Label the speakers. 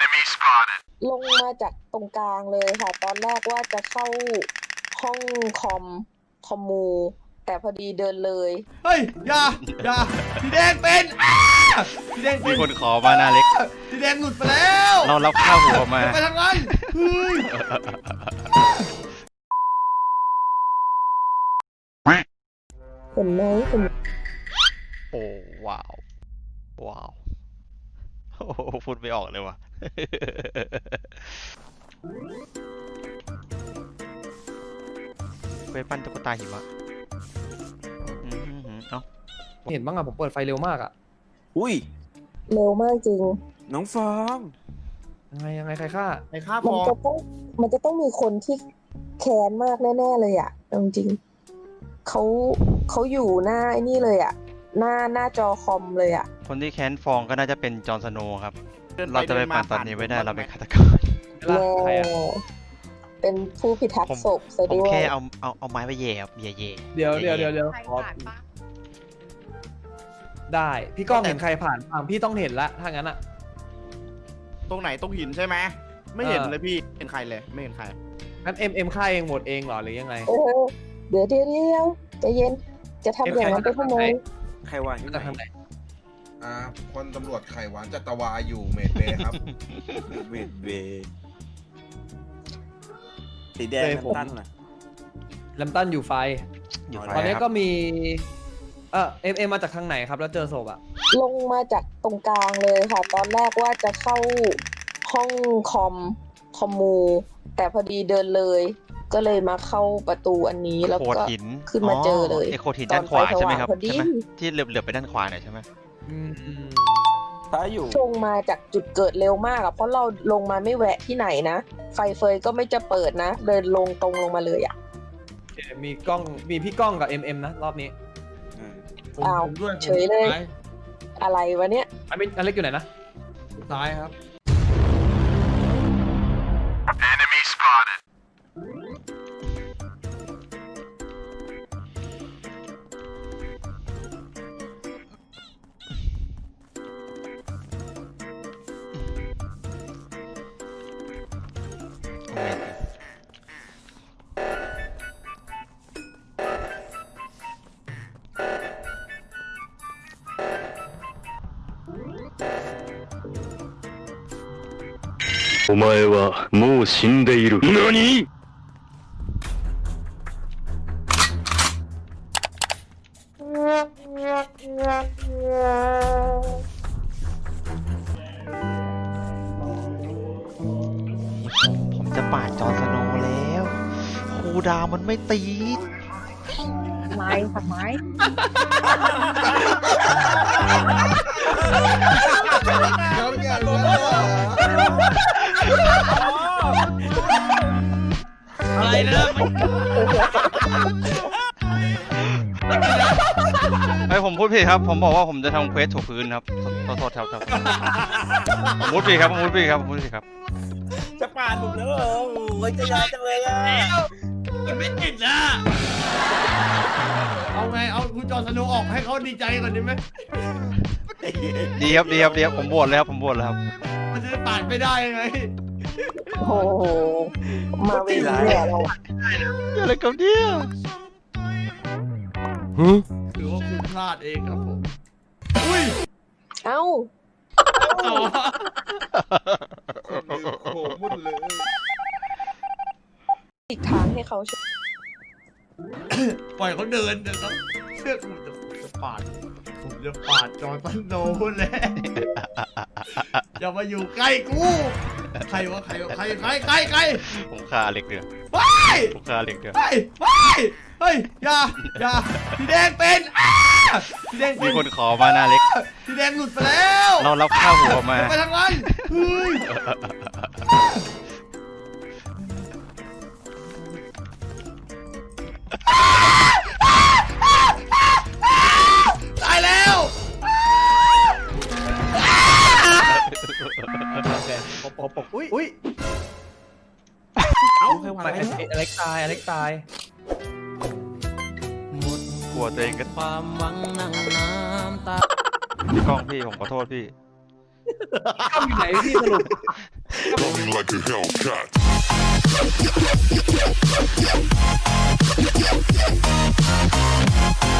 Speaker 1: ลงมาจากตรงกลางเลยค่ะ ตอนแรกว่าจะเข้าห้องคอมมู แต่พอดีเดินเลย
Speaker 2: เฮ้ยอย่าสีแดงเป็นสีแดงเป็
Speaker 3: มี
Speaker 2: น
Speaker 3: คนขอมาหน้าเล็ก
Speaker 2: สีแดงหลุดไปแล้ว
Speaker 3: เรารับข้าวหัวมา
Speaker 2: ไปทางนั้นเฮ้ย
Speaker 1: เห็นไหมเห็น
Speaker 3: โอ้ว้าว โอ้โหพูดไม่ออกเลยว่ะ เวทปั้นตุ๊กตาหิมะเอ้า
Speaker 4: เห็นบ้างอะผมเปิดไฟเร็วมากอะ
Speaker 5: อุ้ย
Speaker 1: เร็วมากจริง
Speaker 5: น้องฟอง
Speaker 4: ยังไงใครฆ่า
Speaker 2: ไอ้ข้าพ
Speaker 1: มัน
Speaker 2: อ
Speaker 1: จะต้องมีคนที่แค้นมากแน่ๆเลยอ่ะจริงๆเขาอยู่หน้าไอ้นี่เลยอ่ะ หน้าจอคอมเลยอ่ะ
Speaker 3: คนที่แค้นฟองก็น่าจะเป็นจอห์นสโนว์ครับ เราจะไปปั่นตอนนี้ไม่ได้เราเป็นฆาตกร
Speaker 1: แน่
Speaker 4: ใครอะ
Speaker 1: เป็นผู้พิทัก
Speaker 3: ผม
Speaker 1: ษ์ศพซะ
Speaker 3: ผม
Speaker 1: ด้วย
Speaker 3: แค่เอาไม้ไปแย่ครับแย่
Speaker 4: เดี๋ยว
Speaker 6: ใครผ่านปะ
Speaker 4: ได้ พี่ก้องเห็นใครผ่านพี่ต้องเห็นละถ้างั้นอะ
Speaker 2: ตรงไหนตรงหินใช่ไหมไม่เห็น
Speaker 4: เออ
Speaker 2: เลยพี่เห็นใครเลยไม่เห็นใคร
Speaker 4: งั้นเอ็มฆ่าเองหมดเองเหรอหรือยังไง
Speaker 1: เดี๋ยวใจเย็น จะทำอย่างนั้นไปทำไม
Speaker 5: ใครวางที่
Speaker 4: จะทำ
Speaker 5: ไห
Speaker 4: ไห
Speaker 5: น
Speaker 4: น
Speaker 7: พลตำรวจไข่หวานจัตวาอยู่เมดเบย์ครับ
Speaker 5: เวทเวสีแดงน้ำตาลน่ะ
Speaker 4: แลมตันอยู่ไฟ
Speaker 3: ๆอยู่ไฟ
Speaker 4: ตอนนี้
Speaker 3: ค
Speaker 4: ก็
Speaker 3: รับ
Speaker 4: มีเอ็มมาจากทางไหนครับ แล้วเจอศพอะ
Speaker 1: ลงมาจากตรงกลางเลยค่ะ ตอนแรกว่าจะเข้าห้องคอมมู แต่พอดีเดินเลย ก็เลยมาเข้าประตูอันนี้แล้ว
Speaker 3: โขด
Speaker 1: ก็
Speaker 3: หิน
Speaker 1: ขึ้นมาเจอเลย
Speaker 3: ไอโขดหินด้านขวาใช่ไหมครับ
Speaker 1: ตอนไฟสว่างพอดี
Speaker 3: ใช่ไหมที่เหลือบไปด้านขวาหน่อยใช่ไหม
Speaker 4: อืม
Speaker 5: ถ้าอยู่
Speaker 1: ลงมาจากจุดเกิดเร็วมากอะเพราะเราลงมาไม่แวะที่ไหนนะ ไฟเฟยก็ไม่จะเปิดนะ เดินลงตรงลงมาเลยอะ
Speaker 4: โอเคมีพี่ก้องกับเอ็มนะรอบนี้
Speaker 1: อ้าว
Speaker 2: ผมด้วย
Speaker 1: เฉยเลย อะไรวะเนี่ย
Speaker 4: อเล็กอยู่ไหนนะ
Speaker 2: ซ้ายครับ
Speaker 3: โอ้ย
Speaker 8: お前はもう死んでいる。何？
Speaker 3: ผมจะปาดจอห์นสโนว์แล้วครูดาวมันไม่ตีด
Speaker 6: ไม้ค่ะไม้
Speaker 2: อะไรนะ
Speaker 3: ไอยผมพูดผิดครับ ผมบอกว่าผมจะทำเควสถูพื้นครับโทษครับผมพูดผิดครับผมพูดผิดครับ
Speaker 5: จะปาดผมแล้วเหรอโอ้ยจะยาจังเลยอ่ะ
Speaker 2: มันไม่ติดนะเอาไงเอาคุณจอห์นสโนว์ออกให้เขาดีใจก่อนดีไหม
Speaker 3: ดีครับผมโหวตเลยครับผมโหวตแล้วครับ
Speaker 2: มันจะได้ปาดไม่ได้ไง
Speaker 1: โอ้โห มาเวทีเนี่ยเราอะ
Speaker 3: อะไรกับเนี่ย
Speaker 2: หรือว่าคุณพลาดเองครับผมอุ้ย
Speaker 1: เอ้า
Speaker 2: ต่อ
Speaker 7: โอ้โหมุ่นเลย
Speaker 1: อีกทางให้เขาช่วย
Speaker 2: ปล่อยเขาเดินนะครับเชื่อผมจะปาดจอห์นสโนว์แหละอย่ามาอยู่ใกล้กูใครใคร
Speaker 3: ผมฆ่าอเล็กเดือ
Speaker 2: ไป
Speaker 3: ผมฆ่าอเล็กเดือ
Speaker 2: ไปเฮ้ยอย่าสีแดงเป็นสีแดงเป็
Speaker 3: มี
Speaker 2: น
Speaker 3: คนขอมาหน้าเล็ก
Speaker 2: สีแดงหลุดไปแล้ว
Speaker 3: เรารับข้าวหัวมา
Speaker 2: ไปทางนั้นเฮ้ยตายแล้ว
Speaker 4: ปกอุ้ย
Speaker 5: เอ้าใครวาง
Speaker 4: ไป
Speaker 5: ไว้เนี่ย
Speaker 4: อเล็กตาย
Speaker 3: กลัวตัวเองก็
Speaker 4: ความหวังนั่งน้ำตา
Speaker 3: พี่ก้องพี่ผมขอโทษพี่
Speaker 4: เข้าอยู่ไหนพี่สรุป
Speaker 8: Running like a Hellcat.